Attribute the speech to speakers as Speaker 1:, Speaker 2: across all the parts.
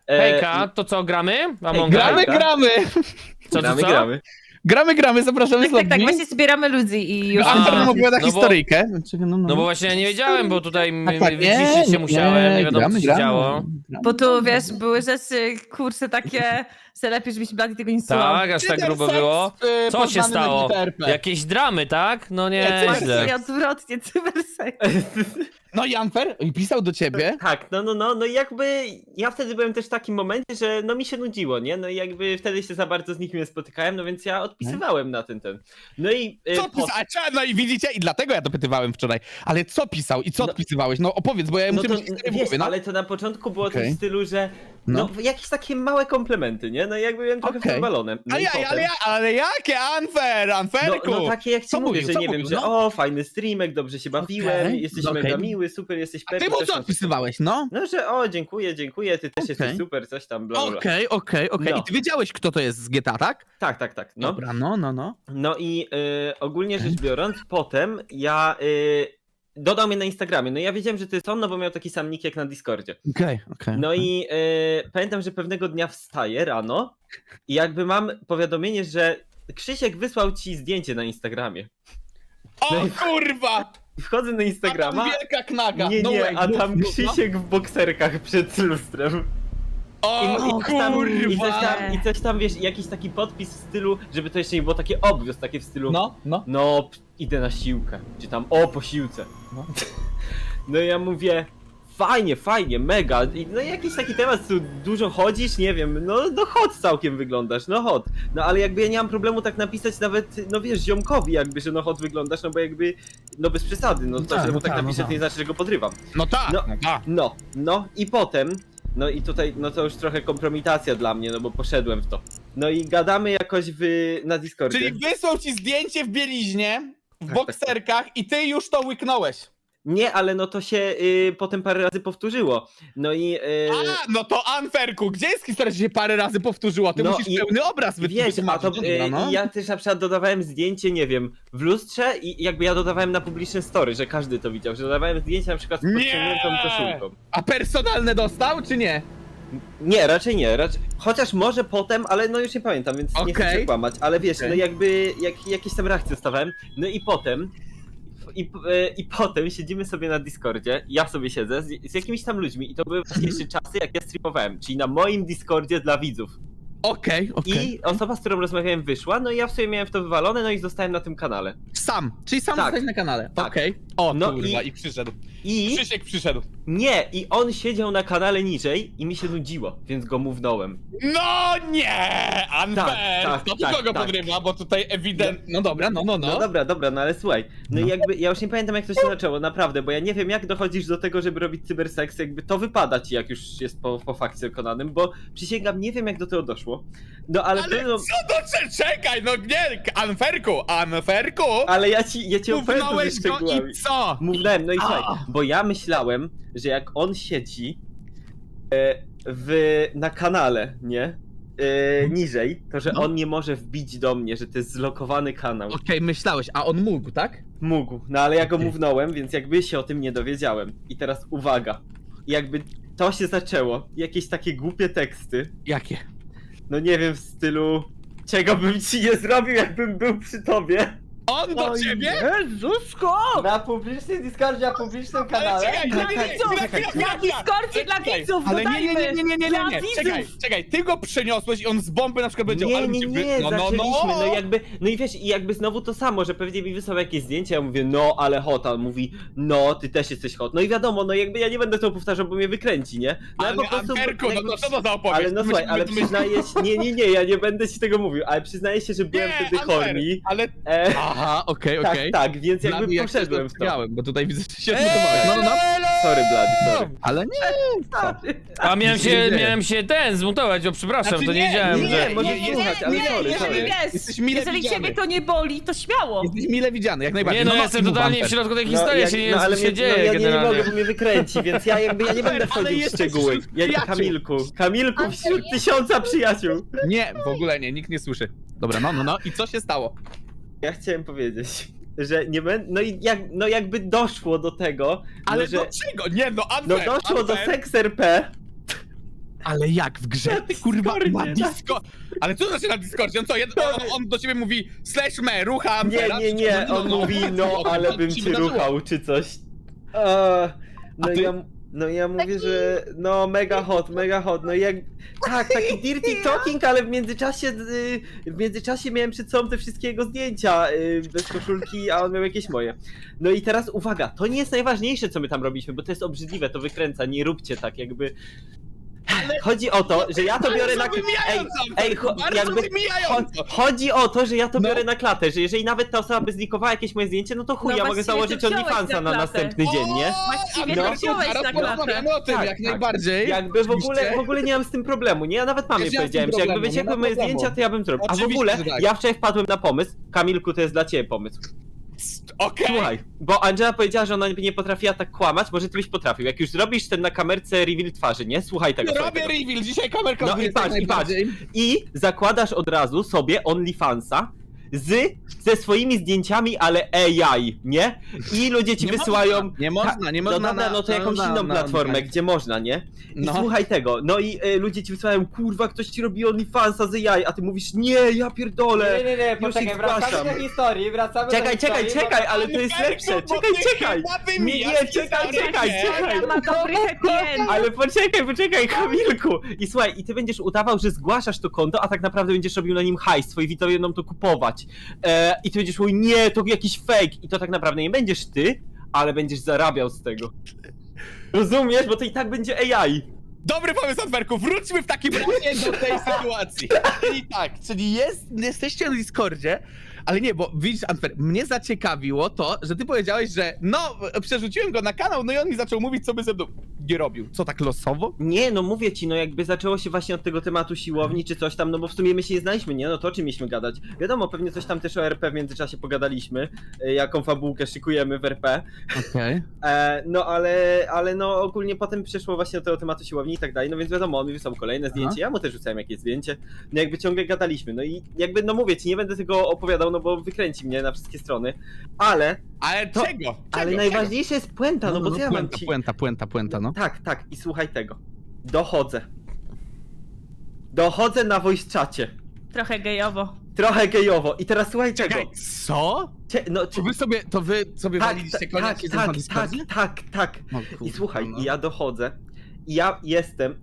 Speaker 1: Hejka, to co, gramy?
Speaker 2: Gramy,
Speaker 3: tak?
Speaker 2: gramy!
Speaker 1: Co?
Speaker 2: Gramy, zapraszamy
Speaker 4: Tak, tak, tak,
Speaker 2: sobie.
Speaker 4: właśnie zbieramy ludzi i już...
Speaker 2: Amper nam opowiada
Speaker 1: no bo-
Speaker 2: historyjkę. Czekaj,
Speaker 1: No bo właśnie ja nie wiedziałem, bo tutaj
Speaker 2: tak,
Speaker 1: wyciszyć się musiałem, nie wiadomo co się działo.
Speaker 4: Bo tu, wiesz, były rzeczy, kurczę, takie, że lepiej, żebyś Blady tego nie słuchał.
Speaker 1: Tak, aż tak grubo było. Co się stało? Jakieś dramy, tak? No nie,
Speaker 2: Nie,
Speaker 1: źle.
Speaker 4: Właśnie odwrotnie, cybersek.
Speaker 2: No i Amper pisał do ciebie.
Speaker 3: Tak, no i jakby ja wtedy byłem też w takim momencie, że no mi się nudziło, nie? No i jakby wtedy się za bardzo z nikim nie spotykałem, no więc ja odpisywałem na ten. No i
Speaker 2: Co pisał? No i widzicie, i dlatego ja dopytywałem wczoraj. Ale co pisał i co odpisywałeś? No opowiedz, bo ja
Speaker 3: no
Speaker 2: muszę
Speaker 3: to
Speaker 2: mieć historię w
Speaker 3: wiesz,
Speaker 2: głowie, no.
Speaker 3: ale to na początku było coś
Speaker 2: Okej.
Speaker 3: w stylu, że no jakieś takie małe komplementy, nie? No i jakby byłem trochę
Speaker 2: Okej.
Speaker 3: wbalone. No i potem-
Speaker 2: Ale jakie, Amperku?
Speaker 3: No takie jak ci
Speaker 2: Co
Speaker 3: mówię,
Speaker 2: mówił,
Speaker 3: że
Speaker 2: co
Speaker 3: nie wiem,
Speaker 2: mówił,
Speaker 3: że
Speaker 2: no?
Speaker 3: o, fajny streamek, dobrze się bawiłem,
Speaker 2: Okej,
Speaker 3: jesteś
Speaker 2: okej.
Speaker 3: mega miły, super, jesteś
Speaker 2: A ty
Speaker 3: Pepe.
Speaker 2: mu
Speaker 3: coś
Speaker 2: co
Speaker 3: tam.
Speaker 2: odpisywałeś, no?
Speaker 3: No, że o, dziękuję, ty też jesteś
Speaker 2: Okej.
Speaker 3: super, coś tam, bla, bla, bla.
Speaker 2: Okej.
Speaker 3: No.
Speaker 2: I ty wiedziałeś, kto to jest z GTA, tak?
Speaker 3: Tak, no.
Speaker 2: Dobra, no.
Speaker 3: No i ogólnie rzecz biorąc, potem ja dodał mnie na Instagramie. No ja wiedziałem, że to jest on, no bo miał taki sam nick jak na Discordzie.
Speaker 2: Okej.
Speaker 3: No i pamiętam, że pewnego dnia wstaję rano i jakby mam powiadomienie, że Krzysiek wysłał ci zdjęcie na Instagramie.
Speaker 2: O kurwa!
Speaker 3: I wchodzę na
Speaker 2: A
Speaker 3: Instagrama.
Speaker 2: tam wielka knaga.
Speaker 3: Nie,
Speaker 2: No
Speaker 3: nie,
Speaker 2: way,
Speaker 3: a
Speaker 2: mów,
Speaker 3: tam
Speaker 2: mów, no.
Speaker 3: Krzysiek w bokserkach przed lustrem.
Speaker 2: O
Speaker 3: I
Speaker 2: kurwa!
Speaker 3: coś tam, wiesz, jakiś taki podpis w stylu, żeby to jeszcze nie było takie obvious, takie w stylu
Speaker 2: No.
Speaker 3: no, idę na siłkę, czy tam o, po siłce.
Speaker 2: No.
Speaker 3: No i ja mówię, fajnie, mega. No i jakiś taki temat, tu dużo chodzisz, nie wiem, no hot całkiem wyglądasz, no hot. No ale jakby ja nie mam problemu tak napisać nawet, no wiesz, ziomkowi jakby, że no hot wyglądasz, no bo jakby, no bez przesady, no to,
Speaker 2: tak,
Speaker 3: że mu
Speaker 2: no
Speaker 3: tak
Speaker 2: tak,
Speaker 3: napiszę,
Speaker 2: no
Speaker 3: to nie znaczy, że go podrywam.
Speaker 2: No tak,
Speaker 3: No.
Speaker 2: no tak.
Speaker 3: No i potem, no i tutaj, no to już trochę kompromitacja dla mnie, no bo poszedłem w to. No i gadamy jakoś na Discordzie.
Speaker 2: Czyli wysłał ci zdjęcie w bieliźnie, w bokserkach i ty już to łyknąłeś.
Speaker 3: Nie, ale no to się potem parę razy powtórzyło. No i...
Speaker 2: A, no to Anferku, gdzie jest historia, że się parę razy powtórzyła? Ty
Speaker 3: No
Speaker 2: musisz
Speaker 3: i-
Speaker 2: pełny obraz
Speaker 3: Wiesz, a
Speaker 2: wytłumaczyć.
Speaker 3: to
Speaker 2: Dobra, no.
Speaker 3: ja też na przykład dodawałem zdjęcie, nie wiem, w lustrze i jakby ja dodawałem na publiczne story, że każdy to widział, że dodawałem zdjęcie na przykład z
Speaker 2: Nie!
Speaker 3: podciągniętą koszulką.
Speaker 2: A personalne dostał, czy nie?
Speaker 3: Nie, raczej nie, chociaż może potem, ale no już nie pamiętam, więc nie chcę
Speaker 2: Okej.
Speaker 3: się kłamać, ale wiesz,
Speaker 2: Okej.
Speaker 3: no jakby jakieś tam reakcje dostawałem, no i potem i potem siedzimy sobie na Discordzie, ja sobie siedzę z jakimiś tam ludźmi i to były właśnie jeszcze czasy, jak ja streamowałem, czyli na moim Discordzie dla widzów.
Speaker 2: Okej.
Speaker 3: I osoba, z którą rozmawiałem, wyszła, no i ja w sobie miałem w to wywalone, no i zostałem na tym kanale.
Speaker 2: Sam, czyli sam
Speaker 3: Tak.
Speaker 2: zostałeś na kanale.
Speaker 3: Tak.
Speaker 2: Okej. O
Speaker 3: No
Speaker 2: kurwa,
Speaker 3: i-
Speaker 2: i przyszedł.
Speaker 3: I
Speaker 2: Krzysiek przyszedł.
Speaker 3: nie, i on siedział na kanale niżej i mi się nudziło, więc go mównąłem.
Speaker 2: No nie! Unfair!
Speaker 3: Tak,
Speaker 2: To
Speaker 3: tak,
Speaker 2: tylko go
Speaker 3: tak.
Speaker 2: podrywa, bo tutaj ewidentnie... No dobra, no.
Speaker 3: No dobra, no ale słuchaj, no i jakby, ja już nie pamiętam jak to się zaczęło, naprawdę, bo ja nie wiem jak dochodzisz do tego, żeby robić cyberseks, jakby to wypada ci jak już jest po fakcie dokonanym, bo przysięgam, nie wiem jak do tego doszło, no ale
Speaker 2: Ale
Speaker 3: no,
Speaker 2: co to czekaj, no nie, Anferku!
Speaker 3: ale ja ci opowiem to ze
Speaker 2: Mównąłeś go
Speaker 3: szczegółami.
Speaker 2: i co?
Speaker 3: Mównałem, no i słuchaj, bo ja myślałem, że jak on siedzi na kanale, nie? Niżej, to że
Speaker 2: No.
Speaker 3: on nie może wbić do mnie, że to jest zlokowany kanał.
Speaker 2: Okej, myślałeś, a on mógł, tak?
Speaker 3: Mógł, no ale ja go
Speaker 2: Okej.
Speaker 3: mównąłem, więc jakby się o tym nie dowiedziałem. I teraz uwaga, jakby to się zaczęło, jakieś takie głupie teksty,
Speaker 2: Jakie?
Speaker 3: no nie wiem, w stylu czego bym ci nie zrobił, jakbym był przy tobie.
Speaker 2: On do ciebie?
Speaker 4: Jezusko!
Speaker 3: Na publicznym Discordzie, na publicznym
Speaker 2: Ale
Speaker 3: kanale.
Speaker 2: czekaj,
Speaker 4: Dla widzów! Na Discordzie dla
Speaker 2: Czekaj,
Speaker 4: widzów!
Speaker 2: ale
Speaker 4: dodajmy!
Speaker 2: nie,
Speaker 4: Dla widzów!
Speaker 2: czekaj, ty go przeniosłeś i on z bomby na przykład będzie... ale
Speaker 3: Nie,
Speaker 2: cię
Speaker 3: zaczęliśmy, no jakby, no i wiesz, i jakby znowu to samo, że pewnie mi wysłał jakieś zdjęcie, ja mówię, no ale hot, a on mówi, no ty też jesteś hot, no i wiadomo, no jakby ja nie będę tego powtarzał, bo mnie wykręci, nie? No
Speaker 2: Ale Anferku, no
Speaker 3: jakby
Speaker 2: to co to za opowieść?
Speaker 3: Ale no słuchaj, ale przyznaję się, nie, ja nie będę ci tego mówił, ale przyznaję się, że byłem wtedy horny.
Speaker 2: Ale... Aha, okej.
Speaker 3: Tak, więc jakby
Speaker 2: Blady, jak
Speaker 3: poszedłem w to.
Speaker 2: miałem, bo tutaj widzę, że się odmutowałeś. No.
Speaker 3: Sorry, Blady, sorry.
Speaker 2: Ale nie.
Speaker 1: A miałem
Speaker 2: Nic się nie dzieje.
Speaker 1: się zmutować, o przepraszam,
Speaker 2: Znaczy
Speaker 1: to nie
Speaker 2: nie,
Speaker 1: wiedziałem,
Speaker 3: nie,
Speaker 1: że...
Speaker 3: może nie słuchać, ale sorry,
Speaker 4: jeżeli
Speaker 3: sorry.
Speaker 4: wiesz,
Speaker 2: Jesteś mile
Speaker 4: jeżeli
Speaker 2: widziany.
Speaker 4: ciebie to nie boli, to śmiało!
Speaker 2: Jesteś mile widziany, jak najbardziej.
Speaker 1: Nie no, ja jestem
Speaker 2: i mów,
Speaker 1: totalnie w
Speaker 2: Anfer.
Speaker 1: środku tej historii, ja się nie wiem
Speaker 3: ale
Speaker 1: co się dzieje
Speaker 3: ja nie
Speaker 1: generalnie.
Speaker 3: mogę, bo mnie wykręci, więc ja jakby ja nie będę
Speaker 2: Ale
Speaker 3: wchodził w
Speaker 2: jesteś
Speaker 3: szczegóły.
Speaker 2: wśród
Speaker 3: Ja
Speaker 2: przyjaciół.
Speaker 3: Kamilku wśród 1000 przyjaciół.
Speaker 2: Nie, w ogóle nie, nikt nie słyszy. Dobra, no. I co się stało?
Speaker 3: Ja chciałem powiedzieć, że nie będę, no jakby doszło do tego,
Speaker 2: Ale
Speaker 3: no, że,
Speaker 2: do czego? Nie, no
Speaker 3: no
Speaker 2: Anfer,
Speaker 3: doszło do
Speaker 2: Anfer.
Speaker 3: Seks RP.
Speaker 2: Ale jak w grze?
Speaker 3: Na
Speaker 2: Kurwa,
Speaker 3: Discordzie,
Speaker 2: na
Speaker 3: na-
Speaker 2: Disco... Ale co to znaczy na Discordzie? On co, on do ciebie mówi /me, rucham
Speaker 3: Nie,
Speaker 2: teraz?
Speaker 3: nie, nie, on mówi, no ale bym cię ruchał, czy coś. No
Speaker 2: A ty?
Speaker 3: ja mówię, że no mega hot, no jak... Tak, taki dirty talking, ale w międzyczasie miałem przed sobą te wszystkie jego zdjęcia bez koszulki, a on miał jakieś moje. No i teraz uwaga, to nie jest najważniejsze, co my tam robiliśmy, bo to jest obrzydliwe, to wykręca, nie róbcie tak, jakby... Chodzi o to, że ja to biorę na... Chodzi o to, że ja to
Speaker 2: No.
Speaker 3: biorę na klatę, że jeżeli nawet ta osoba by zlikowała jakieś moje zdjęcie, no to chuj,
Speaker 4: No
Speaker 3: ja mogę
Speaker 4: właściwie
Speaker 3: założyć
Speaker 4: to wziąłeś
Speaker 3: OnlyFansa
Speaker 4: na
Speaker 3: na
Speaker 4: klatę.
Speaker 3: następny dzień, nie?
Speaker 4: Właściwie
Speaker 3: No.
Speaker 4: to wziąłeś na klatę.
Speaker 2: Porozmawiamy o tym,
Speaker 3: Tak,
Speaker 2: jak
Speaker 3: tak.
Speaker 2: najbardziej.
Speaker 3: Jakby w
Speaker 2: Oczywiście.
Speaker 3: ogóle nie mam z tym problemu, nie? Ja nawet mamie
Speaker 2: Też ja mam z tym
Speaker 3: powiedziałem, że jakby
Speaker 2: problemu, nie ma
Speaker 3: wyciekły moje
Speaker 2: problemu.
Speaker 3: zdjęcia, to ja bym zrobił. A w
Speaker 2: Oczywiście,
Speaker 3: ogóle
Speaker 2: że tak.
Speaker 3: ja wczoraj wpadłem na pomysł, Kamilku, to jest dla ciebie pomysł.
Speaker 2: Okej.
Speaker 3: Słuchaj, bo Angela powiedziała, że ona nie potrafiła tak kłamać, może ty byś potrafił. Jak już zrobisz ten na kamerce reveal twarzy, nie? Słuchaj tego. słuchaj
Speaker 2: Robię
Speaker 3: tego.
Speaker 2: reveal, dzisiaj kamerka
Speaker 3: No i
Speaker 2: odwrócę
Speaker 3: patrz,
Speaker 2: najbardziej.
Speaker 3: I zakładasz od razu sobie OnlyFansa ze swoimi zdjęciami, ale AI, nie? I ludzie ci
Speaker 2: Nie
Speaker 3: wysyłają...
Speaker 2: można, nie można, nie
Speaker 3: No
Speaker 2: można
Speaker 3: dobra, no to jakąś inną platformę,
Speaker 2: na-
Speaker 3: gdzie można, nie? I
Speaker 2: No.
Speaker 3: słuchaj tego, no i ludzie ci wysyłają, kurwa, ktoś ci robi OnlyFansa z AI, a ty mówisz, nie, ja pierdolę.
Speaker 5: Nie,
Speaker 3: Już
Speaker 5: poczekaj,
Speaker 3: ich
Speaker 5: wracamy
Speaker 3: zgłaszam.
Speaker 5: do historii, wracamy
Speaker 3: Czekaj,
Speaker 5: do
Speaker 3: czekaj,
Speaker 5: historii.
Speaker 3: czekaj, ale to jest
Speaker 2: Ferku,
Speaker 3: lepsze,
Speaker 2: bo
Speaker 3: czekaj,
Speaker 2: ty
Speaker 3: czekaj.
Speaker 2: chyba
Speaker 3: Nie,
Speaker 2: wymijasz
Speaker 3: nie, czekaj,
Speaker 2: historię.
Speaker 3: czekaj.
Speaker 4: Ma dobry happy end.
Speaker 3: Ale poczekaj, Kamilku! I słuchaj, i ty będziesz udawał, że zgłaszasz to konto, a tak naprawdę będziesz robił na nim hajs, twoi widzowie będą to kupować. I ty będziesz mówił, nie, to jakiś fake. I to tak naprawdę nie będziesz ty, ale będziesz zarabiał z tego. Rozumiesz? Bo to i tak będzie AI.
Speaker 2: Dobry pomysł, Antwerku, wróćmy w takim razie do tej sytuacji. Czyli tak, czyli jesteście na Discordzie, ale nie, bo widzisz, Antwerp, mnie zaciekawiło to, że ty powiedziałeś, że no, przerzuciłem go na kanał, no i on mi zaczął mówić, co by ze mną nie robił. Co, tak losowo?
Speaker 3: Nie, no mówię ci, no jakby zaczęło się właśnie od tego tematu siłowni czy coś tam, no bo w sumie my się nie znaliśmy, nie? No to o czym mieliśmy gadać? Wiadomo, pewnie coś tam też o RP w międzyczasie pogadaliśmy, jaką fabułkę szykujemy w RP.
Speaker 2: Okej.
Speaker 3: No ale no ogólnie potem przeszło właśnie do tego tematu siłowni i tak dalej, no więc wiadomo, on mi wysłał kolejne zdjęcie, ja mu też rzucałem jakieś zdjęcie, no jakby ciągle gadaliśmy, no i jakby, no mówię ci, nie będę tego opowiadał, no bo wykręci mnie na wszystkie strony, ale
Speaker 2: Ale czego?
Speaker 3: ale najważniejsze jest puenta, no bo co ja mam ci...
Speaker 2: Puenta, no.
Speaker 3: Tak, i słuchaj tego, dochodzę na voice czacie,
Speaker 4: Trochę gejowo.
Speaker 3: trochę gejowo i teraz słuchaj tego,
Speaker 2: Czekaj, co? To wy sobie waliliście koniec na Discordzie?
Speaker 3: tak.
Speaker 2: No,
Speaker 3: I
Speaker 2: kurwa,
Speaker 3: słuchaj,
Speaker 2: no.
Speaker 3: i ja dochodzę i ja jestem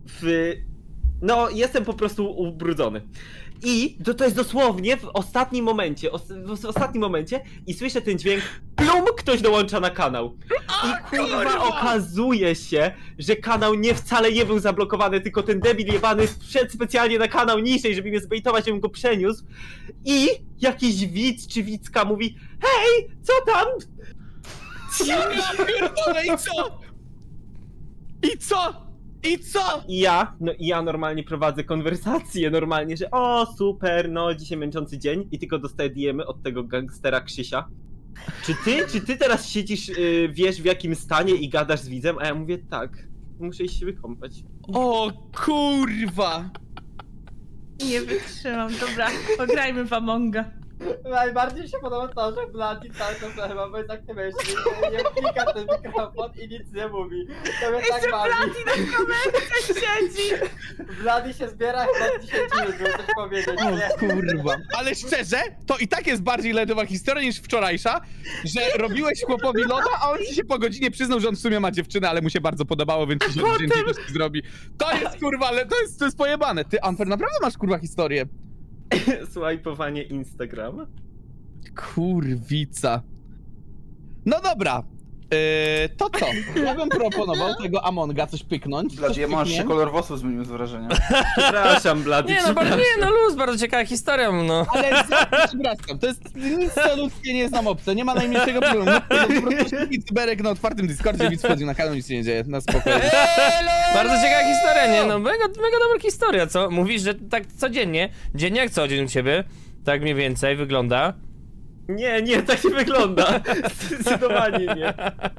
Speaker 3: jestem po prostu ubrudzony. I to jest dosłownie w ostatnim momencie, w ostatnim momencie i słyszę ten dźwięk plum, ktoś dołącza na kanał. I kurwa okazuje się, że kanał wcale nie był zablokowany, tylko ten debil jebany wszedł specjalnie na kanał niżej, żeby mnie zbejtować, żebym go przeniósł. I jakiś widz czy widzka mówi, hej, co tam?
Speaker 2: Ja pierdolę, i co? I co? I co?
Speaker 3: I ja normalnie prowadzę konwersację, normalnie, że o super, no dzisiaj męczący dzień i tylko dostaję DM-y od tego gangstera Krzysia. Czy ty teraz siedzisz, wiesz w jakim stanie i gadasz z widzem? A ja mówię tak, muszę iść się wykąpać.
Speaker 2: O kurwa!
Speaker 4: Nie wytrzymam, dobra, pograjmy w Amonga.
Speaker 5: Najbardziej mi się podoba to, że Bloody cały czas chyba bez aktywności nie klika ten mikrofon i nic nie mówi. To mnie
Speaker 4: Jeszcze
Speaker 5: tak bawi.
Speaker 4: Bloody na kamerce siedzi.
Speaker 5: Bloody się zbiera chyba 10 minut, żeby coś powiedzieć. Nie?
Speaker 2: O kurwa. Ale szczerze, to i tak jest bardziej ledowa historia niż wczorajsza, że robiłeś chłopowi loda, a on ci się po godzinie przyznał, że on w sumie ma dziewczynę, ale mu się bardzo podobało, więc ci się zdjęcie zrobi. To jest kurwa, ale to jest pojebane. Ty, Amper, naprawdę masz kurwa historię?
Speaker 3: Swajpowanie Instagram.
Speaker 2: Kurwica. No dobra. To co? Ja bym proponował tego Amonga coś pyknąć.
Speaker 6: Blad,
Speaker 2: coś
Speaker 6: ja mam się
Speaker 2: pykniemy.
Speaker 6: kolor włosów zmienił z wrażenia.
Speaker 3: Przepraszam, Blady,
Speaker 1: Nie no, no luz, bardzo ciekawa historia, no.
Speaker 2: Ale przepraszam, to jest nic co ludzkie, nie znam obce, nie ma najmniejszego problemu. Po prostu Berek na otwartym Discordzie, widz wchodzi na kanał, nic się nie dzieje, na spokojnie.
Speaker 1: Bardzo ciekawa historia, nie? No mega dobra historia, co? Mówisz, że tak codziennie, dziennie jak co dzień u ciebie, tak mniej więcej wygląda.
Speaker 3: Nie, tak nie wygląda. Zdecydowanie nie.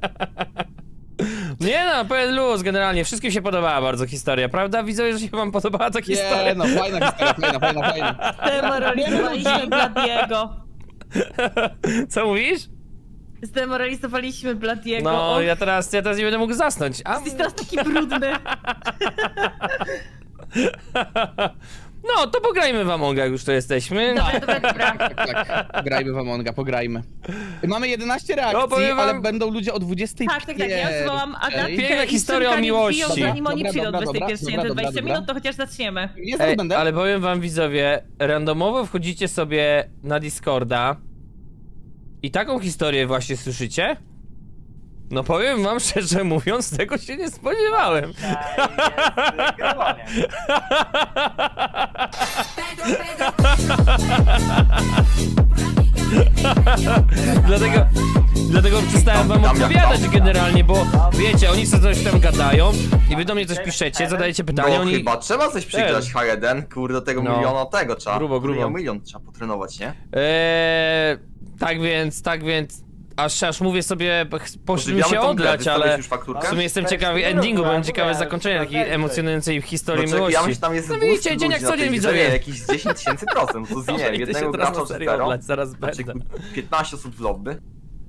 Speaker 1: Nie no, pełen luz generalnie, wszystkim się podobała bardzo historia, prawda? Widzę, że się wam podobała ta historia.
Speaker 2: Nie no, fajna historia, fajna.
Speaker 4: Demoralizowaliśmy Bladiego.
Speaker 1: Co mówisz?
Speaker 4: Zdemoralizowaliśmy Bladiego.
Speaker 1: No,
Speaker 4: Och,
Speaker 1: ja teraz nie będę mógł zasnąć. A...
Speaker 4: jesteś teraz taki brudny.
Speaker 1: No, to pograjmy w Amonga, jak już to jesteśmy.
Speaker 4: Dobra.
Speaker 2: Tak, grajmy w Amonga, pograjmy. Mamy 11 reakcji,
Speaker 1: No, powiem wam-
Speaker 2: ale będą ludzie o 25.
Speaker 4: Tak, ja zwołam Agatkę
Speaker 1: Piękna
Speaker 4: i
Speaker 1: historia o
Speaker 4: Szymka niech
Speaker 1: miłości.
Speaker 4: wbiją, zanim oni
Speaker 2: Dobra,
Speaker 4: przyjdą
Speaker 2: dobra,
Speaker 4: 21,
Speaker 2: dobra,
Speaker 4: 20
Speaker 2: dobra,
Speaker 4: minut, to chociaż zaczniemy.
Speaker 2: Jest
Speaker 1: Ej,
Speaker 2: będę.
Speaker 1: ale powiem wam widzowie, randomowo wchodzicie sobie na Discorda i taką historię właśnie słyszycie? No powiem wam szczerze mówiąc, tego się nie spodziewałem. Dlatego przestałem wam odpowiadać generalnie, bo wiecie, oni sobie coś tam gadają i wy do mnie coś piszecie, zadajecie pytania,
Speaker 6: No
Speaker 1: oni...
Speaker 6: chyba trzeba coś przygrać H1, kurde, do tego
Speaker 1: No.
Speaker 6: miliona tego trzeba.
Speaker 1: Grubo.
Speaker 6: Milion trzeba potrenować, nie?
Speaker 1: Tak więc, aż mówię sobie, poszli mi
Speaker 6: Podziwiamy
Speaker 1: się
Speaker 6: tą grę,
Speaker 1: odlać,
Speaker 6: wystawiłeś
Speaker 1: ale
Speaker 6: już fakturkę?
Speaker 1: w sumie jestem
Speaker 5: Tak,
Speaker 1: ciekawy
Speaker 5: tak,
Speaker 1: endingu,
Speaker 5: tak,
Speaker 1: byłem ciekawy
Speaker 5: tak,
Speaker 1: zakończenia
Speaker 5: tak,
Speaker 1: takiej
Speaker 5: tak.
Speaker 1: emocjonującej historii
Speaker 6: No, czekaj,
Speaker 1: miłości.
Speaker 6: ja myślę, tam jest
Speaker 1: No
Speaker 6: z
Speaker 1: widzicie,
Speaker 6: 200
Speaker 1: dzień jak
Speaker 6: ludzi
Speaker 1: co
Speaker 6: na tej
Speaker 1: dzień,
Speaker 6: grze,
Speaker 1: widzowie.
Speaker 6: jakieś 10 000%, to z nie
Speaker 1: Dobra,
Speaker 6: wiem,
Speaker 1: idę się
Speaker 6: jednego
Speaker 1: teraz
Speaker 6: gracza
Speaker 1: na
Speaker 6: z
Speaker 1: serio
Speaker 6: zero,
Speaker 1: odlać, zaraz
Speaker 6: znaczy
Speaker 1: będę.
Speaker 6: 15 osób w lobby.